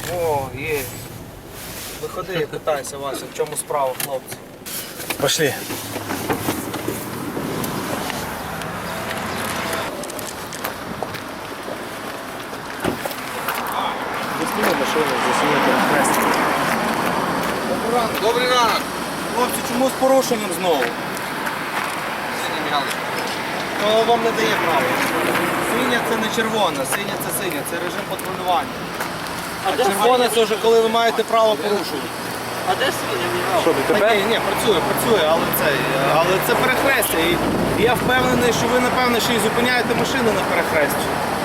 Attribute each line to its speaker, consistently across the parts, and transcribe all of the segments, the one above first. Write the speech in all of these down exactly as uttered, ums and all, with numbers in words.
Speaker 1: О, є. Виходи і питайся, Вася, в чому справа, хлопці.
Speaker 2: Пошли. Засніми машину, засніми перехрестя.
Speaker 1: Добрий ранок. Добрий ранок. Хлопці, чому з порушенням знову? То вам не дає права. Синя це не червона, синя це синя, це режим патрулювання. А червона це вже коли ви маєте право порушувати.
Speaker 3: А де свиня?
Speaker 2: Що, ДТП?
Speaker 1: Ні, ні, працює, працює, але це, але це перехрестя. І я впевнений, що ви, напевно, ще й зупиняєте машини на перехресті.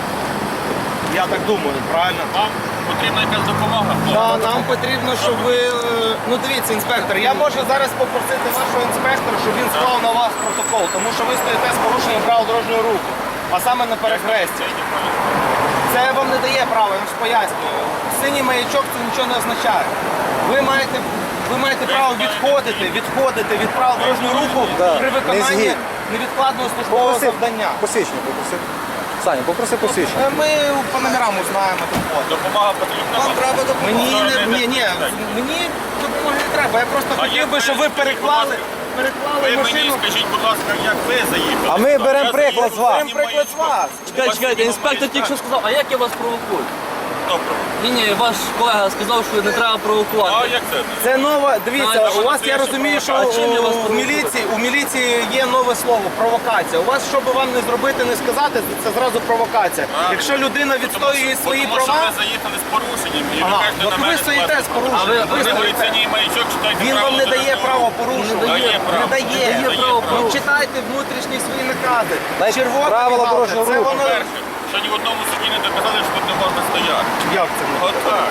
Speaker 1: Я так думаю, правильно?
Speaker 4: Вам потрібна якась допомога?
Speaker 1: Так, нам потрібно, щоб ви... е, Ну дивіться, інспектор, я можу зараз попросити вашого інспектора, щоб він склав на вас протокол, тому що ви стоїте з порушенням правил дорожнього руху, а саме на перехресті. Це вам не дає права, я вам ж пояснюю. Синій маячок це нічого не означає. Ви маєте, ви маєте право відходити, відходити від правил дорожнього руху
Speaker 2: Да,
Speaker 1: при
Speaker 2: не
Speaker 1: виконанні
Speaker 2: згідно.
Speaker 1: невідкладного службового
Speaker 2: Попроси
Speaker 1: завдання.
Speaker 2: посвідчення, попроси. Саня, попроси посвідчення.
Speaker 1: Е, Ми по номерам узнаємо доходу.
Speaker 4: Допомога потрібна?
Speaker 1: Вам треба допомога. Мені не,
Speaker 4: Сторони
Speaker 1: ні, ні,
Speaker 4: не
Speaker 1: мені допомоги не треба. Я просто
Speaker 4: А
Speaker 1: хотів
Speaker 4: як
Speaker 1: би,
Speaker 4: ви
Speaker 1: щоб ви
Speaker 4: скажіть,
Speaker 1: переклали,
Speaker 4: будь
Speaker 1: переклали
Speaker 4: Ви мені
Speaker 1: машину.
Speaker 4: скажіть, будь ласка, як ви заїхали?
Speaker 2: А ми
Speaker 4: сюди?
Speaker 2: беремо
Speaker 4: Я
Speaker 2: приклад
Speaker 4: заїхав
Speaker 2: з вас.
Speaker 4: синім
Speaker 1: Беремо приклад з вас.
Speaker 4: маячком.
Speaker 3: Чекайте, чекайте,
Speaker 4: У вас
Speaker 3: інспектор
Speaker 4: синій
Speaker 3: тільки що
Speaker 4: маячок.
Speaker 3: сказав, а як я вас провокую?
Speaker 4: Добре.
Speaker 3: Ні, ні, ваш колега сказав, що не треба
Speaker 4: А
Speaker 3: провокувати.
Speaker 4: як це?
Speaker 1: Це нова, дивіться,
Speaker 3: А,
Speaker 1: у вас,
Speaker 4: це
Speaker 1: я
Speaker 4: ще
Speaker 1: розумію, що
Speaker 3: провокація. А чим я вас
Speaker 1: у
Speaker 3: провокую?
Speaker 1: міліції, у міліції є нове слово – провокація. У вас, що би вам не зробити, не сказати, це зразу провокація.
Speaker 4: А,
Speaker 1: Якщо людина відстоює
Speaker 4: Тому
Speaker 1: свої
Speaker 4: що- Тому що
Speaker 1: права,
Speaker 4: ви заїхали з порушенням. І
Speaker 1: Ага,
Speaker 4: ви кажете
Speaker 1: от
Speaker 4: на
Speaker 1: ви
Speaker 4: мене
Speaker 1: стоїте
Speaker 4: скласти
Speaker 1: з порушенням.
Speaker 4: протокол.
Speaker 1: Ви
Speaker 4: Ви
Speaker 1: стоїте.
Speaker 4: говорите, синій маячок, читайте
Speaker 1: він
Speaker 4: правила
Speaker 1: вам не дає
Speaker 4: дорожнього
Speaker 1: право
Speaker 4: руху.
Speaker 1: порушувати.
Speaker 4: Дає право.
Speaker 1: Не дає.
Speaker 4: Не дає право.
Speaker 1: Ну, читайте внутрішні свої накази.
Speaker 2: Дайте
Speaker 1: Червона
Speaker 2: правила
Speaker 1: мігалка,
Speaker 2: дорожнього
Speaker 1: це
Speaker 2: руху.
Speaker 1: воно...
Speaker 4: Перше, що ні в одному суді не доказали, що тут не можна стояти.
Speaker 1: Як це? не?
Speaker 4: От так.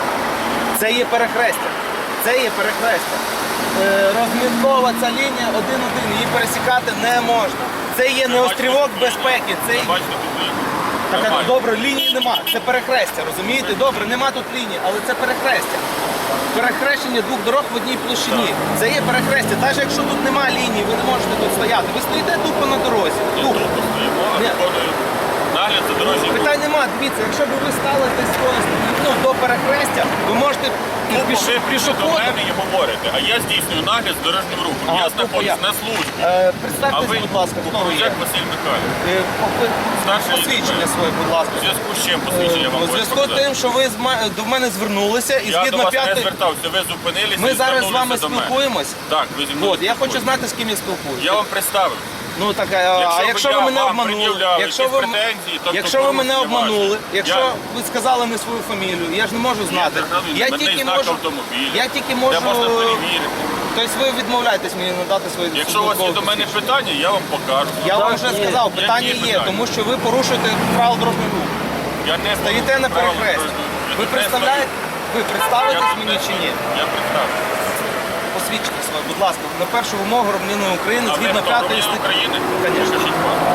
Speaker 1: Це є перехрестя. Це є перехрестя. Е, Розміткова ця лінія один-один, її пересікати не можна. Це є не острівок безпеки. Це
Speaker 4: Ви бачите тут лінію.
Speaker 1: так,
Speaker 4: Нормально.
Speaker 1: добре, лінії нема. Це перехрестя, розумієте? Добре, нема тут лінії, але це перехрестя. Перехрещення двох дорог в одній площині. Це є перехрестя. Навіть якщо тут нема лінії, ви не можете тут стояти. Ви стоїте тупо на дорозі.
Speaker 4: Я
Speaker 1: Тупо.
Speaker 4: тут постоїмо, а
Speaker 1: Ні.
Speaker 4: виконую нагляд за дорожнім рухом.
Speaker 1: Питань нема, дивіться, якщо б ви стали десь ну, до перехрестя, ви можете
Speaker 4: Ну,
Speaker 1: піш,
Speaker 4: ви до
Speaker 1: пішоходом.
Speaker 4: мене і говорите, а я здійснюю нагляд з дорожнім рухом.
Speaker 1: Ага,
Speaker 4: Я
Speaker 1: тупо
Speaker 4: знаходжусь
Speaker 1: я.
Speaker 4: на службі.
Speaker 1: Е,
Speaker 4: А
Speaker 1: представтесь,
Speaker 4: ви,
Speaker 1: будь ласка, хто ви є.
Speaker 4: Як Василь Михайлович.
Speaker 1: Е, по-
Speaker 4: Старший
Speaker 1: Посвідчення
Speaker 4: лейтенант.
Speaker 1: своє, будь ласка.
Speaker 4: У зв'язку з чим посвідчення вам
Speaker 1: У
Speaker 4: хочу
Speaker 1: зв'язку з
Speaker 4: показати?
Speaker 1: тим, що ви з ма- до мене звернулися і
Speaker 4: Я до
Speaker 1: згідно
Speaker 4: вас не
Speaker 1: п'ятої...
Speaker 4: звертався, ви зупинилися
Speaker 1: Ми
Speaker 4: і
Speaker 1: зараз з вами
Speaker 4: звернулися до мене.
Speaker 1: спілкуємось.
Speaker 4: Так, ви зі мною
Speaker 1: От, я хочу
Speaker 4: спілкуєтесь.
Speaker 1: знати, з ким я спілкуюся.
Speaker 4: Я вам представив.
Speaker 1: Ну так, а а якщо
Speaker 4: б
Speaker 1: ви
Speaker 4: я
Speaker 1: мене
Speaker 4: вам
Speaker 1: обманули,
Speaker 4: пред'являв
Speaker 1: якщо
Speaker 4: якісь
Speaker 1: ви,
Speaker 4: претензії, тобто
Speaker 1: якщо ви мене
Speaker 4: порушення
Speaker 1: обманули,
Speaker 4: ваші.
Speaker 1: якщо
Speaker 4: Я-
Speaker 1: ви сказали не свою фамілію, я ж не можу знати.
Speaker 4: згадую,
Speaker 1: Я
Speaker 4: мене
Speaker 1: тільки
Speaker 4: знак
Speaker 1: можу,
Speaker 4: автомобіля.
Speaker 1: я тільки можу,
Speaker 4: Де можна перевірити.
Speaker 1: тобто ви відмовляєтесь мені надати свої
Speaker 4: Якщо у вас є
Speaker 1: службові
Speaker 4: до мене
Speaker 1: посвідчення?
Speaker 4: питання, я вам покажу.
Speaker 1: Я вам
Speaker 3: Так,
Speaker 1: вже
Speaker 3: ні.
Speaker 1: сказав,
Speaker 4: Які
Speaker 1: питання є,
Speaker 4: питання?
Speaker 1: тому що ви порушуєте правила дорожнього руху.
Speaker 4: Я не
Speaker 1: Стоїте на
Speaker 4: порушую правила
Speaker 1: перехресті.
Speaker 4: дорожнього руху.
Speaker 1: Ви
Speaker 4: Я тут не
Speaker 1: представляєте, ви
Speaker 4: стою.
Speaker 1: представитесь
Speaker 4: Я тут
Speaker 1: мені
Speaker 4: не
Speaker 1: чи ні?
Speaker 4: стою. Я представлю.
Speaker 1: Посвідчите своє, будь ласка, на першу вимогу громадянина України
Speaker 4: А ви
Speaker 1: згідно
Speaker 4: хто,
Speaker 1: п'ятої
Speaker 4: громадянин
Speaker 1: статті.
Speaker 4: України?
Speaker 1: Конечно.
Speaker 4: Покажіть паспорт.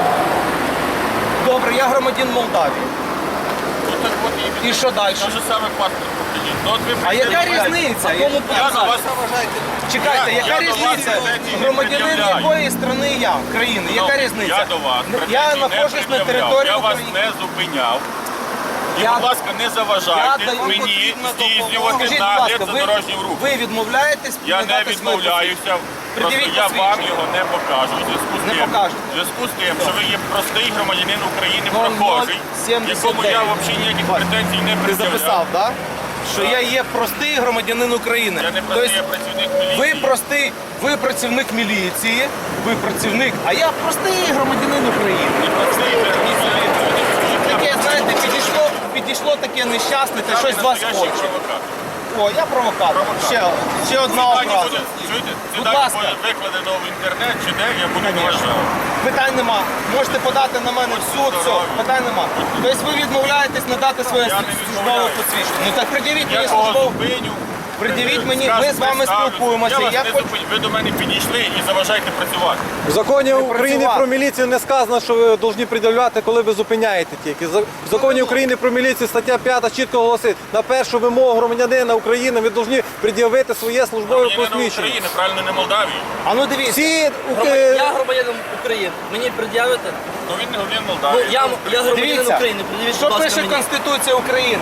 Speaker 1: Добре, я громадян Молдавії.
Speaker 4: Ну, так от і
Speaker 1: І що далі?
Speaker 4: Те ж саме паспорт покажіть. Ну, от ви
Speaker 1: А яка
Speaker 4: представляєте.
Speaker 1: різниця?
Speaker 3: А кому
Speaker 4: Я до вас
Speaker 1: Чекайте,
Speaker 4: Я-
Speaker 1: яка
Speaker 4: я до вас
Speaker 1: різниця?
Speaker 4: претензій не
Speaker 1: Громадянин
Speaker 4: пред'являю.
Speaker 1: якої країни я? країни?
Speaker 4: Ну,
Speaker 1: Яка різниця?
Speaker 4: Я до вас
Speaker 1: Я
Speaker 4: претензій не
Speaker 1: знаходжусь на
Speaker 4: пред'являв.
Speaker 1: території
Speaker 4: Я вас
Speaker 1: України.
Speaker 4: не зупиняв. І,
Speaker 1: Я-
Speaker 4: будь ласка, не заважайте
Speaker 1: Я даю
Speaker 4: мені
Speaker 1: потрібну
Speaker 4: здійснювати
Speaker 1: допомогу. Скажіть, будь
Speaker 4: нагляд
Speaker 1: ласка,
Speaker 4: за
Speaker 1: ви,
Speaker 4: дорожнім рухом.
Speaker 1: ви відмовляєтесь
Speaker 4: Я не
Speaker 1: надати своє
Speaker 4: відмовляюся, просто
Speaker 1: Пред'явіть
Speaker 4: я вам
Speaker 1: посвідчення.
Speaker 4: його не покажу. У зв'язку з
Speaker 1: Не
Speaker 4: тим,
Speaker 1: покажете.
Speaker 4: в зв'язку з тим, що ви є простий громадянин України,
Speaker 1: ноль ноль
Speaker 4: прохожий,
Speaker 1: сімдесят
Speaker 4: якому я
Speaker 1: дев'ять.
Speaker 4: взагалі ніяких
Speaker 1: Бачите,
Speaker 4: претензій не
Speaker 1: Ти записав,
Speaker 4: пред'являв.
Speaker 1: так? Що я є простий громадянин України.
Speaker 4: Я не простий,
Speaker 1: Тобто
Speaker 4: я працівник міліції.
Speaker 1: ви простий, ви працівник міліції, ви працівник, а я простий громадянин України.
Speaker 4: Не простий, ви громадянин України.
Speaker 1: Таке, знаєте, підійшло, підійшло таке нещасне, та щось з вас
Speaker 4: Настоящий
Speaker 1: хоче.
Speaker 4: провокатор.
Speaker 1: О, я провокатор.
Speaker 4: Провокатор.
Speaker 1: Ще, ще одна
Speaker 4: Дані
Speaker 1: образа.
Speaker 4: буде, чуєте, ці
Speaker 1: Будь
Speaker 4: дані
Speaker 1: ласка.
Speaker 4: буде викладено в інтернет чи де, я буду
Speaker 1: Конечно.
Speaker 4: вважати.
Speaker 1: Питань нема. Можете подати на мене в суд, все, питань нема. Тобто ви відмовляєтесь надати своє
Speaker 4: Я не
Speaker 1: службове
Speaker 4: відмовляюсь.
Speaker 1: посвідчення. Ну так придивіть мені
Speaker 4: Я кого
Speaker 1: службове.
Speaker 4: зупиню.
Speaker 1: Пред'явіть мені,
Speaker 4: скажу,
Speaker 1: ми з вами
Speaker 4: представлюсь.
Speaker 1: спілкуємося,
Speaker 4: Я вас
Speaker 1: я
Speaker 4: не
Speaker 1: хочу-
Speaker 4: зупиню. Ви до мене підійшли і заважаєте працювати.
Speaker 2: В законі України
Speaker 1: працювати.
Speaker 2: про міліцію не сказано, що ви повинні пред'являти, коли ви зупиняєте тільки. За- В законі України про міліцію стаття п'ята чітко голосить, на першу вимогу громадянина України ви повинні пред'явити своє службове
Speaker 4: Громадянина
Speaker 2: посвідчення.
Speaker 4: України, правильно, не Молдавії.
Speaker 1: А ну дивіться.
Speaker 2: Всі
Speaker 3: Грома-
Speaker 2: е,
Speaker 3: Я громадянин України. Мені пред'явите?
Speaker 4: Ну він не громадянин
Speaker 3: Ну,
Speaker 4: Молдавії.
Speaker 3: я, я громадянин
Speaker 1: Дивіться,
Speaker 3: України. Пред'явіть,
Speaker 1: що
Speaker 3: будь ласка,
Speaker 1: пише
Speaker 3: мені.
Speaker 1: Конституція України?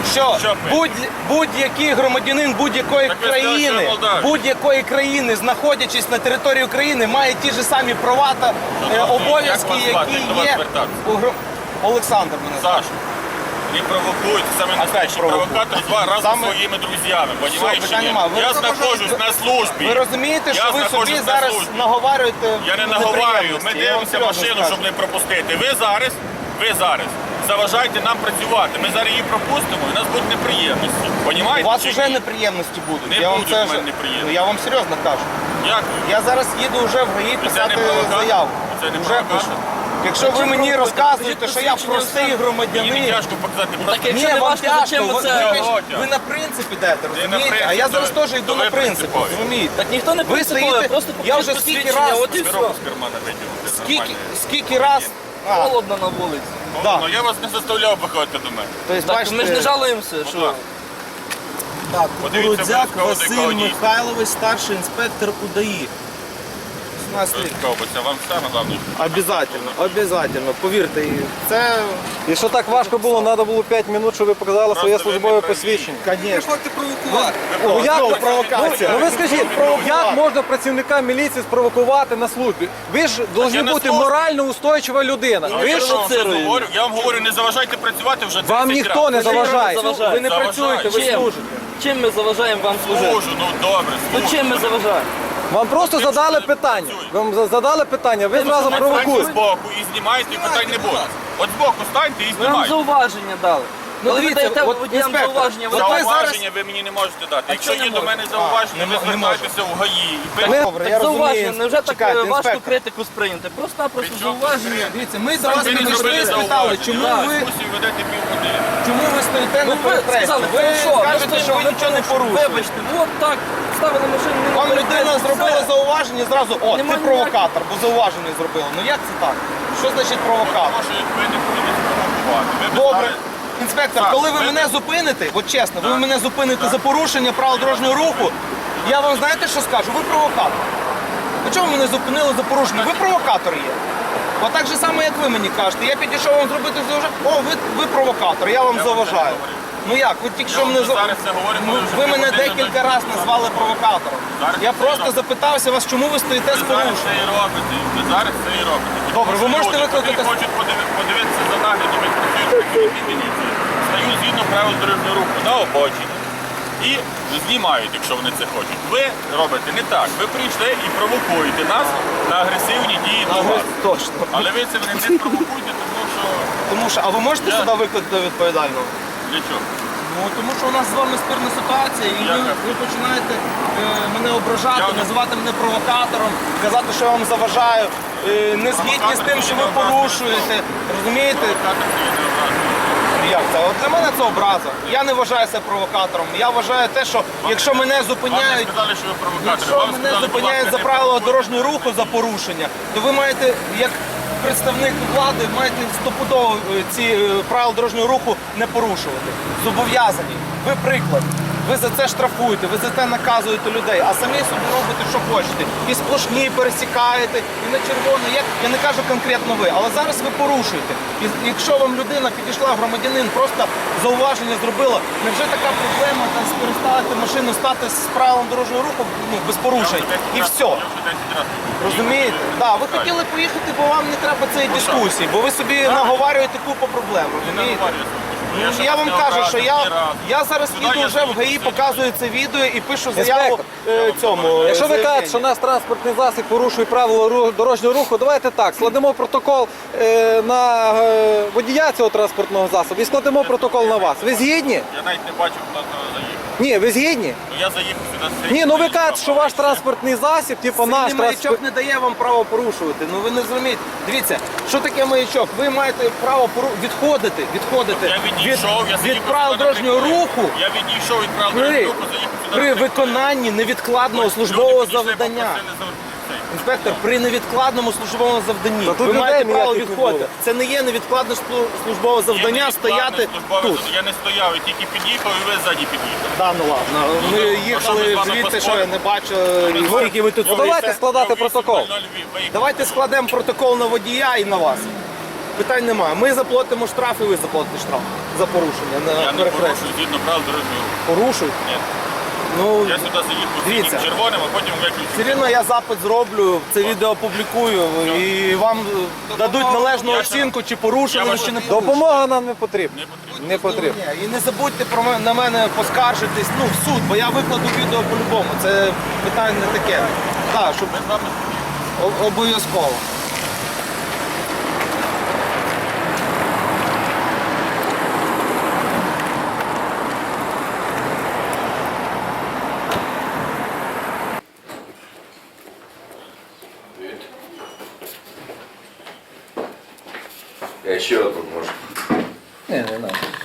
Speaker 1: що
Speaker 4: Що пише?
Speaker 1: будь, будь-який громадянин будь-якої
Speaker 4: Так ви сказали, що
Speaker 1: країни,
Speaker 4: Молдавія.
Speaker 1: будь-якої країни, знаходячись на території України, має ті ж самі права та е,
Speaker 4: Як
Speaker 1: обов'язки,
Speaker 4: вас звати?
Speaker 1: які
Speaker 4: До вас
Speaker 1: є
Speaker 4: звертатися?
Speaker 1: у гро- Олександр мене звати.
Speaker 4: Саш, не провокуйте, саме настоящий
Speaker 1: провокують?
Speaker 4: провокатор два разом
Speaker 1: Саме-
Speaker 4: своїми друзьями, понимаєш?
Speaker 1: питань
Speaker 4: чи ні?
Speaker 1: нема. Ви
Speaker 4: Я
Speaker 1: розумієте,
Speaker 4: знаходжусь на службі.
Speaker 1: Ви розумієте,
Speaker 4: Я
Speaker 1: що ви собі
Speaker 4: знаходжусь на
Speaker 1: зараз
Speaker 4: службі.
Speaker 1: наговарюєте
Speaker 4: Я не
Speaker 1: неприємності?
Speaker 4: наговарюю, ми
Speaker 1: Я вам
Speaker 4: дивимося
Speaker 1: серйозно
Speaker 4: машину,
Speaker 1: скажу.
Speaker 4: щоб не пропустити. Ви зараз, ви зараз заважаєте нам працювати. Ми зараз її пропустимо і у нас будуть неприємності.
Speaker 1: У
Speaker 4: Понімаєте?
Speaker 1: вас
Speaker 4: чи
Speaker 1: вже
Speaker 4: ні?
Speaker 1: неприємності будуть.
Speaker 4: Не
Speaker 1: я вам
Speaker 4: будуть
Speaker 1: це
Speaker 4: в мене
Speaker 1: вже-
Speaker 4: неприємності.
Speaker 1: Ну, я вам серйозно кажу.
Speaker 4: Як?
Speaker 1: Я зараз їду вже в ГАІ
Speaker 4: це
Speaker 1: писати
Speaker 4: не провокатор?
Speaker 1: заяву.
Speaker 4: Це не
Speaker 1: Вже
Speaker 4: провокатор?
Speaker 1: пишу. Якщо ви мені розказуєте, що я
Speaker 3: посвідчення
Speaker 1: простий
Speaker 3: все.
Speaker 4: Мені не
Speaker 1: громадянин,
Speaker 4: тяжко показати. просто-
Speaker 3: Так якщо
Speaker 1: ні,
Speaker 3: не
Speaker 1: вам
Speaker 3: важко,
Speaker 1: тяжко,
Speaker 3: зачем ви
Speaker 1: ви,
Speaker 3: це?
Speaker 1: ви,
Speaker 4: Чого
Speaker 1: ви на принцип ідете,
Speaker 4: на
Speaker 1: розумієте?
Speaker 4: принцип,
Speaker 1: А я
Speaker 4: то
Speaker 1: зараз
Speaker 4: ви-
Speaker 1: теж
Speaker 4: то
Speaker 1: йду
Speaker 4: ви
Speaker 1: на принцип,
Speaker 4: принципові.
Speaker 1: розумієте?
Speaker 3: Так ніхто не
Speaker 1: Ви
Speaker 3: принциповий,
Speaker 1: стоїте,
Speaker 3: просто
Speaker 1: я вже
Speaker 3: покажіть
Speaker 1: скільки
Speaker 3: посвідчення,
Speaker 1: раз,
Speaker 3: от і
Speaker 4: Пирог
Speaker 3: все.
Speaker 4: з кармана виділити.
Speaker 1: скільки, скільки раз, а,
Speaker 3: Холодно на вулиці.
Speaker 1: да.
Speaker 4: Ну я вас не заставляв виходити до мене.
Speaker 1: то есть,
Speaker 3: Так
Speaker 1: бачите,
Speaker 3: ми ж не жалуємося, що
Speaker 4: ласка.
Speaker 1: Так,
Speaker 4: Подивіться
Speaker 1: Кукурудзяк
Speaker 4: обов'язково
Speaker 1: Василь
Speaker 4: декого дійсно.
Speaker 1: Михайлович, старший інспектор УДАІ. сімнадцять років.
Speaker 4: Ковбиця, вам саме головне.
Speaker 1: Обязательно, обязательно, повірте, і це,
Speaker 2: Якщо так важко було, треба було п'ять минут, щоб ви показали своє
Speaker 4: Просто ви
Speaker 2: службове
Speaker 4: не праві.
Speaker 2: посвідчення.
Speaker 1: звісно.
Speaker 2: Ну, як,
Speaker 1: Знову провокація.
Speaker 2: Ну, ви скажіть, як можна працівника міліції спровокувати на службі? Ви ж повинні
Speaker 4: на
Speaker 2: бути
Speaker 4: службі.
Speaker 2: морально устойчива людина.
Speaker 3: Ну,
Speaker 2: Ви
Speaker 4: Я
Speaker 2: ж
Speaker 4: ж вам
Speaker 3: провоцирує.
Speaker 4: говорю, я вам говорю, не заважайте працювати вже
Speaker 2: вам
Speaker 4: тридцять
Speaker 2: ніхто не
Speaker 4: разів.
Speaker 2: заважає.
Speaker 3: заважає.
Speaker 1: Ви не
Speaker 4: Заважає.
Speaker 1: працюєте, ви
Speaker 3: Чим?
Speaker 1: служите.
Speaker 3: Чим ми заважаємо вам служити?
Speaker 4: Служу, ну добре,
Speaker 3: Ну
Speaker 4: служу.
Speaker 3: чим ми заважаємо?
Speaker 2: Вам просто
Speaker 4: Тим,
Speaker 2: задали
Speaker 4: що не
Speaker 2: питання.
Speaker 4: працює.
Speaker 2: Вам за- задали питання, ви зразу
Speaker 4: Станьте
Speaker 2: провокуєте.
Speaker 4: збоку і знімайте, і питань не буде. От збоку станьте і
Speaker 3: Ми вам
Speaker 4: знімайте.
Speaker 3: зауваження дали.
Speaker 1: Ну,
Speaker 3: Коли ви
Speaker 1: дивіться,
Speaker 3: даєте
Speaker 1: от,
Speaker 3: водіям
Speaker 1: інспектор,
Speaker 3: зауваження, ви
Speaker 1: от ви
Speaker 4: Зауваження ви мені не можете дати. Якщо
Speaker 3: чого
Speaker 4: є
Speaker 3: не
Speaker 4: до
Speaker 3: можете?
Speaker 4: мене зауваження,
Speaker 1: А,
Speaker 4: ви
Speaker 1: не- не
Speaker 4: звертайтеся в ГАІ. І
Speaker 2: Ми-
Speaker 4: пишете.
Speaker 1: Добре,
Speaker 3: так
Speaker 1: я розумію.
Speaker 3: зауваження, невже так
Speaker 1: Чекайте,
Speaker 3: е, важко
Speaker 1: інспектор.
Speaker 3: критику сприйняти? Просто-напросто
Speaker 4: При чому
Speaker 3: зауваження.
Speaker 1: Дивіться, ми до
Speaker 4: Ви
Speaker 1: вас
Speaker 4: не
Speaker 1: підійшли
Speaker 4: зробили
Speaker 1: і спитали,
Speaker 4: зауваження.
Speaker 1: чому
Speaker 4: Так,
Speaker 1: ви,
Speaker 4: дискусію ведете півгодини.
Speaker 1: чому ви стоїте
Speaker 3: Ну
Speaker 1: на
Speaker 3: ви
Speaker 1: перехресті?
Speaker 3: сказали,
Speaker 1: Ви
Speaker 3: хорошо, ми
Speaker 1: кажете, що ви
Speaker 3: стоїмо,
Speaker 1: нічого не
Speaker 3: порушуємо.
Speaker 1: порушуєте.
Speaker 3: Вибачте, от так, ставили машину, не
Speaker 1: Вам людина зробила зауваження, зразу, о,
Speaker 3: Нема
Speaker 1: ти провокатор, бо зауваження зробила. Ну як це так? Що значить провокатор?
Speaker 4: Тому що ви не будете спровокувати. Ви б
Speaker 1: Добре.
Speaker 4: стали-
Speaker 1: Інспектор,
Speaker 4: Так,
Speaker 1: коли ви
Speaker 4: ви-
Speaker 1: мене зупините, от чесно, ви
Speaker 4: Так.
Speaker 1: мене зупините
Speaker 4: Так.
Speaker 1: за порушення правил дорожнього руху, я вам знаєте, що скажу? Ви провокатор. А чому ви мене зупинили за порушення? Ви провокатор є. От так же само, як ви мені кажете. Я підійшов вам зробити зауваження. О, ви, ви провокатор, я вам
Speaker 4: Я вам
Speaker 1: заважаю.
Speaker 4: це говорю.
Speaker 1: Ну як, ви тільки
Speaker 4: Я
Speaker 1: що
Speaker 4: вам
Speaker 1: мене за-
Speaker 4: зараз це говорю,
Speaker 1: Ну,
Speaker 4: коли вже
Speaker 1: ви мене
Speaker 4: півгодини
Speaker 1: декілька
Speaker 4: до-
Speaker 1: разів назвали провокатором.
Speaker 4: Зараз
Speaker 1: Я
Speaker 4: це
Speaker 1: просто
Speaker 4: робите.
Speaker 1: запитався вас, чому ви стоїте з
Speaker 4: Ви зараз
Speaker 1: порушенням.
Speaker 4: це і робите. Ви зараз це і робите.
Speaker 1: Добре, ви
Speaker 4: Тому що
Speaker 1: можете
Speaker 4: люди,
Speaker 1: викликати-
Speaker 4: котрі хочуть подиви- подивитися за наглядом, як працюють працівники міліції, стають згідно правил дорожнього руху на обочині і знімають, якщо вони це хочуть. Ви робите не так. Ви прийшли і провокуєте нас на агресивні дії до вас.
Speaker 1: Точно.
Speaker 4: Але ви це не провокуєте, тому що
Speaker 1: Тому що, а ви можете
Speaker 4: Я-
Speaker 1: сюди викликати відповідального?
Speaker 4: для чого?
Speaker 1: Ну, тому що у нас з вами спірна ситуація, і ви,
Speaker 4: Яка?
Speaker 1: ви починаєте е, мене ображати,
Speaker 4: Я не-
Speaker 1: називати мене провокатором, казати, що я вам заважаю, е, не згідні з тим, що ви порушуєте. Розумієте?
Speaker 4: Провокатор це є необразливо.
Speaker 1: Як це? От для мене це образа. Я не вважаю себе провокатором. Я вважаю те, що якщо мене
Speaker 4: Вам не
Speaker 1: зупиняють,
Speaker 4: сказали, що ви провокатор.
Speaker 1: якщо
Speaker 4: Вам
Speaker 1: мене
Speaker 4: сказали, будь
Speaker 1: зупиняють
Speaker 4: ласка,
Speaker 1: за
Speaker 4: не
Speaker 1: правила
Speaker 4: провокуйте.
Speaker 1: дорожнього руху за порушення, то ви маєте, як представник влади, маєте стопудово е, ці е, правила дорожнього руху не порушувати. Зобов'язані. Ви приклад. Ви за це штрафуєте, ви за це наказуєте людей, а самі собі робите, що хочете. І сплошні пересікаєте, і на червоно. Я, я не кажу конкретно ви, але зараз ви порушуєте. І якщо вам людина підійшла, громадянин, просто зауваження зробила, невже така проблема там переставити машину, стати з правилом дорожнього руху ну, без порушень? І все.
Speaker 4: Я вже десять разів.
Speaker 1: Розумієте? Так, ви хотіли поїхати, бо вам не треба цієї дискусії, бо ви собі наговарюєте купу проблем.
Speaker 4: Не
Speaker 1: Розумієте?
Speaker 4: наговорюю.
Speaker 1: Ну,
Speaker 4: ще
Speaker 1: я вам
Speaker 4: не
Speaker 1: кажу,
Speaker 4: образив
Speaker 1: що
Speaker 4: ні
Speaker 1: я,
Speaker 4: разу.
Speaker 1: я зараз
Speaker 4: Сюди
Speaker 1: їду
Speaker 4: я
Speaker 1: вже в
Speaker 4: свої
Speaker 1: ГАІ,
Speaker 4: посвідчення.
Speaker 1: показую це відео і пишу заяву
Speaker 2: Інспектор,
Speaker 1: е, цьому. е,
Speaker 2: Якщо ви
Speaker 1: заявленню.
Speaker 2: кажете, що наш транспортний засіб порушує правила ру- дорожнього руху, давайте так, складемо протокол е, на е, водія цього транспортного засобу і складемо протокол на вас. Ви згідні?
Speaker 4: Я навіть не бачу, хто туди заїхав.
Speaker 2: Ні, ви згідні?
Speaker 4: Ну я заїхав сюди.
Speaker 2: Ні, ну ви кажете, що ваш транспортний засіб, типу наш
Speaker 1: Сильний маячок
Speaker 2: транспорт.
Speaker 1: не дає вам право порушувати. Ну ви не зрозумієте. Дивіться, що таке маячок? Ви маєте право пору... відходити, відходити
Speaker 4: Я відійшов, я
Speaker 1: від,
Speaker 4: заїхав
Speaker 1: від правил
Speaker 4: сюди
Speaker 1: дорожнього
Speaker 4: на приколі.
Speaker 1: руху
Speaker 4: Я відійшов від правил
Speaker 1: при,
Speaker 4: дорожнього руху, заїхав сюди.
Speaker 1: при
Speaker 4: на приколі.
Speaker 1: виконанні невідкладного
Speaker 4: Люди
Speaker 1: службового
Speaker 4: підійшли,
Speaker 1: завдання.
Speaker 4: попросили за- цей.
Speaker 1: Інспектор, при невідкладному службовому завданні
Speaker 2: Та тут
Speaker 1: ви
Speaker 2: людей
Speaker 1: маєте право
Speaker 2: ніяких не
Speaker 1: відходити.
Speaker 2: було.
Speaker 1: Це не є невідкладне слу- службове
Speaker 4: Є
Speaker 1: завдання
Speaker 4: невідкладне
Speaker 1: стояти
Speaker 4: службове
Speaker 1: тут.
Speaker 4: завдання. Я не стояв, я тільки під'їхав і ви ззаді під'їхали.
Speaker 1: Да, ну ладно. Ми
Speaker 4: ну,
Speaker 1: їхали
Speaker 4: ну, там ми з вами
Speaker 1: звідти, що я
Speaker 4: поспоримо.
Speaker 1: не бачу,
Speaker 4: Ми
Speaker 1: і
Speaker 4: з вами-
Speaker 1: скільки ви тут
Speaker 2: Ну,
Speaker 1: стоїте.
Speaker 2: давайте складати протокол.
Speaker 1: Давайте складемо протокол на водія і на вас. Питань немає. Ми заплатимо штраф і ви заплатите штраф. за порушення на
Speaker 4: Я не
Speaker 1: перехресті?
Speaker 4: порушую згідно правил дорожнього руху.
Speaker 1: Порушують?
Speaker 4: Ні.
Speaker 1: Ну,
Speaker 4: Я сюди сидів по
Speaker 1: Дивіться.
Speaker 4: синім червоним, а потім виключу.
Speaker 1: все рівно я запит зроблю, це відео опублікую і вам е, дадуть належну
Speaker 4: Я
Speaker 1: оцінку, чи
Speaker 4: Я
Speaker 1: порушили ви,
Speaker 4: вас-
Speaker 1: чи не порушили.
Speaker 2: Допомога нам не потрібна.
Speaker 4: Не потрібно.
Speaker 2: Не потрібно.
Speaker 1: Ні, і не забудьте про мене, на мене поскаржитись, ну, в суд, бо я викладу відео по-любому. Це питання не таке. Так, щоб
Speaker 4: Ми з вами
Speaker 1: о- обов'язково.
Speaker 5: Я ще одну можу.
Speaker 1: Ні, не треба.